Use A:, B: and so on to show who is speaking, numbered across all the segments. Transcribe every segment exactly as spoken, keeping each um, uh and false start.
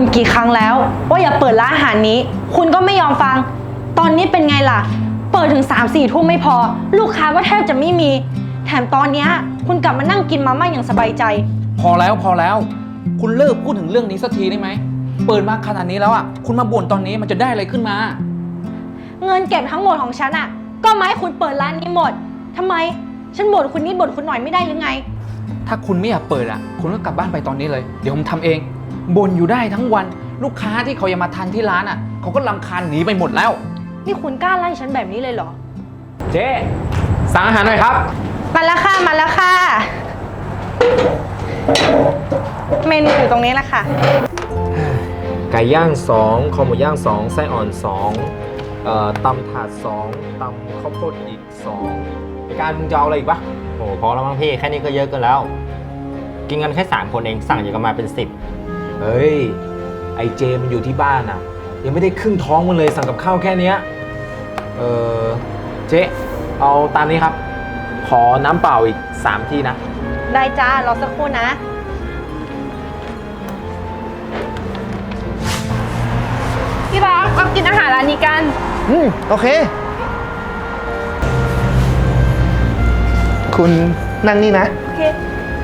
A: กี่ครั้งแล้วว่าอย่าเปิดร้านอาหารนี้คุณก็ไม่ยอมฟังตอนนี้เป็นไงล่ะเปิดถึง สามสี่ ทุ่มไม่พอลูกค้าก็แทบจะไม่มีแถมตอนนี้คุณกลับมานั่งกินมาม่าอย่างสบายใจ
B: พอแล้วพอแล้วคุณเลิกพูดถึงเรื่องนี้สักทีได้ไหมเปิดมาขนาดนี้แล้วอ่ะคุณมาบ่นตอนนี้มันจะได้อะไรขึ้นมา
A: เงินเก็บทั้งหมดของฉันอ่ะก็มาให้คุณเปิดร้านนี้หมดทำไมฉันบ่นคุณนิดบ่นคุณหน่อยไม่ได้หรือไง
B: ถ้าคุณไม่อยากเปิดอ่ะคุณก็กลับบ้านไปตอนนี้เลยเดี๋ยวผมทำเองบ่นอยู่ได้ทั้งวันลูกค้าที่เขายังมาทานที่ร้านอ่ะเขาก็รำคาญหนีไปหมดแล้ว
A: นี่คุณกล้าไล่ฉันแบบนี้เลยเหรอ
B: เจ๊สั่งอาหารหน่อยครับ
A: มาแล้วค่ะมาแล้วค่ะเมนูอยู่ตรงนี้แหละค่ะ
C: ไก่ย่างสองคอหมูย่างสองไส้อ่อนสองเอ่อตำถาดสองตำข้าวโพดอีกสองในการมึงจะเอาอะไรอีกปะ
D: โอ้พอแล้วมั้งพี่แค่นี้ก็เยอะเกินแล้วกินกันแค่สามคนเองสั่งอย่างกันมาเป็นสิบ
C: เฮ้ยไอเจมันอยู่ที่บ้านอ่ะยังไม่ได้ครึ่งท้องมันเลยสั่งกับข้าวแค่นี้เออเจ๊เอาตามนี้ครับขอน้ำเปล่าอีกสามที่นะ
A: ได้จ้ารอสักครู่นะพี่รักมากินอาหารร้านนี้กัน
E: อืมโอเคคุณนั่งนี่นะ
A: โอเค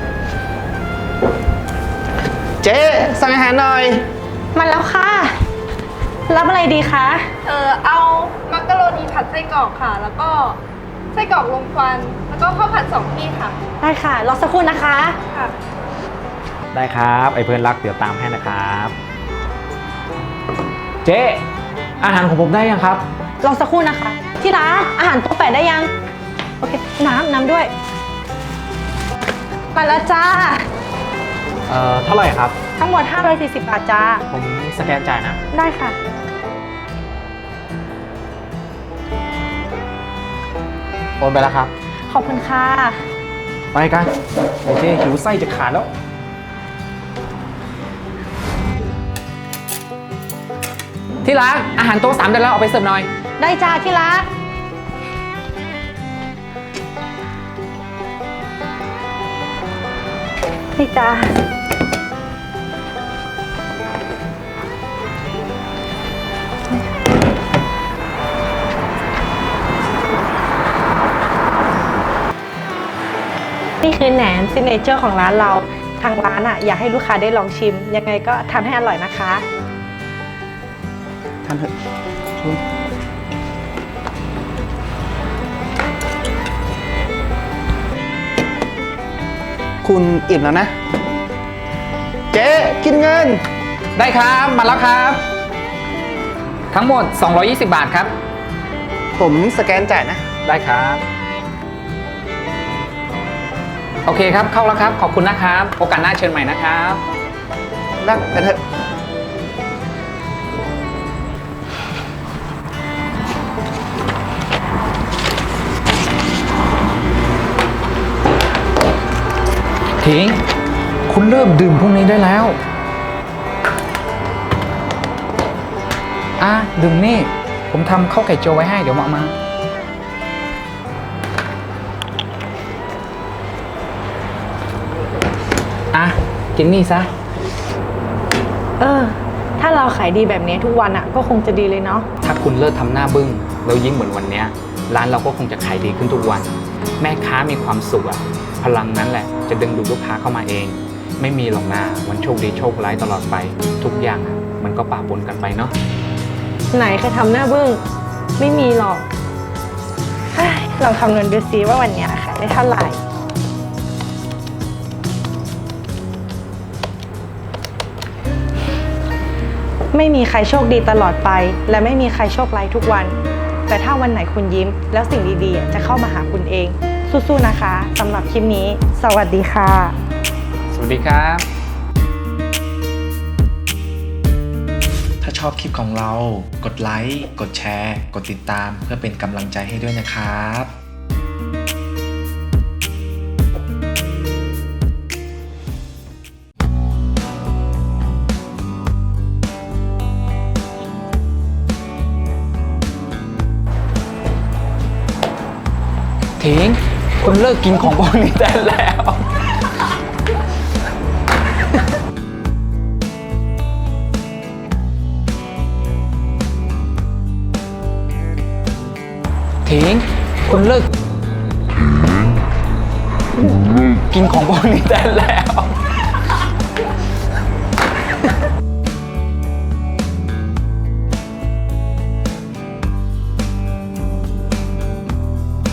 E: เจ๊สั่งอาหารหน่อย
A: มาแล้วค่ะรับอะไรดีคะ
F: เออเอามักกะโรนีผัดไส้กรอกค่ะแล้วก็ไส้กรอกลมควันแล้วก็ข้าวผัดสองที่ค่ะ
A: ได้ค่ะรอสักครู่นะคะ
F: ค่ะ
C: ได้ครับไอเพื่อนรักเดี๋ยวตามให้นะครับเจ๊อาหารของผมได้ยังครับ
A: รอสักครู่นะคะที่ร้านอาหารโต๊ะแปดได้ยังโอเคน้ำน้ำด้วยมาแล้วจ้า
C: เอ่อเท่าไหร่ครับ
A: ทั้งหมดห้าร้อยสี่สิบบาทจ้า
C: ผมสแกนจ่ายนะ
A: ได้ค่ะ
C: โอนไปแล้วครับ
A: ขอบคุณค่ะ
C: ไปกันโอเคหิวไส้จะขาดแล้ว
B: ที่รักอาหารโต๊ะสามได้แล้วเอาไปเสิร์ฟหน่อย
A: ได้จ้าที่รักนี่จ้านี่คือแหนมซิกเนเจอร์ของร้านเราทางร้านอ่ะอยากให้ลูกค้าได้ลองชิมยังไงก็ทำให้อร่อยนะคะ
E: ทานเถอะคุณคุณอิ่มแล้วนะเจ๊กินเงิน
B: ได้ครับมาแล้วครับทั้งหมดสองร้อยยี่สิบบาทครับ
E: ผมสแกนจ่ายนะ
B: ได้ครับโอเคครับเข้าแล้วครับขอบคุณนะครับโอกาสหน้าเชิญใหม่นะครับ
E: นั่งกันเถอะ
B: ทิ้งคุณเลิกดื่มพวกนี้ได้แล้วอ่ะดื่มนี่ผมทำข้าวไก่โจไว้ให้เดี๋ยวมามาอ่ะกินนี่ซะ
A: เออถ้าเราขายดีแบบนี้ทุกวันอ่ะก็คงจะดีเลยเนาะ
B: ถ้าคุณเลิกทำหน้าบึ้งแล้วยิ้มเหมือนวันนี้ร้านเราก็คงจะขายดีขึ้นทุกวันแม่ค้ามีความสุขอะพลังนั้นแหละจะดึงดูดลูกค้าเข้ามาเองไม่มีหรอกนะวันโชคดีโชคร้ายตลอดไปทุกอย่างมันก็ปะปนกันไปเนาะ
A: ไหนใครทำหน้าบึ้งไม่มีหรอกลองคำนวณดูซิว่าวันนี้ขายได้เท่าไหร่ไม่มีใครโชคดีตลอดไปและไม่มีใครโชคร้ายทุกวันแต่ถ้าวันไหนคุณยิ้มแล้วสิ่งดีๆจะเข้ามาหาคุณเองสู้ๆนะคะสำหรับคลิปนี้สวัสดีค่ะ
B: สวัสดีครับ
G: ถ้าชอบคลิปของเรากดไลค์กดแชร์กดติดตามเพื่อเป็นกำลังใจให้ด้วยนะครับ
B: ทิ้งคุณเลิกกินของพวกนี้ได้แล้วถิงคุณเลิกกินของพวกนี้ได้แล้ว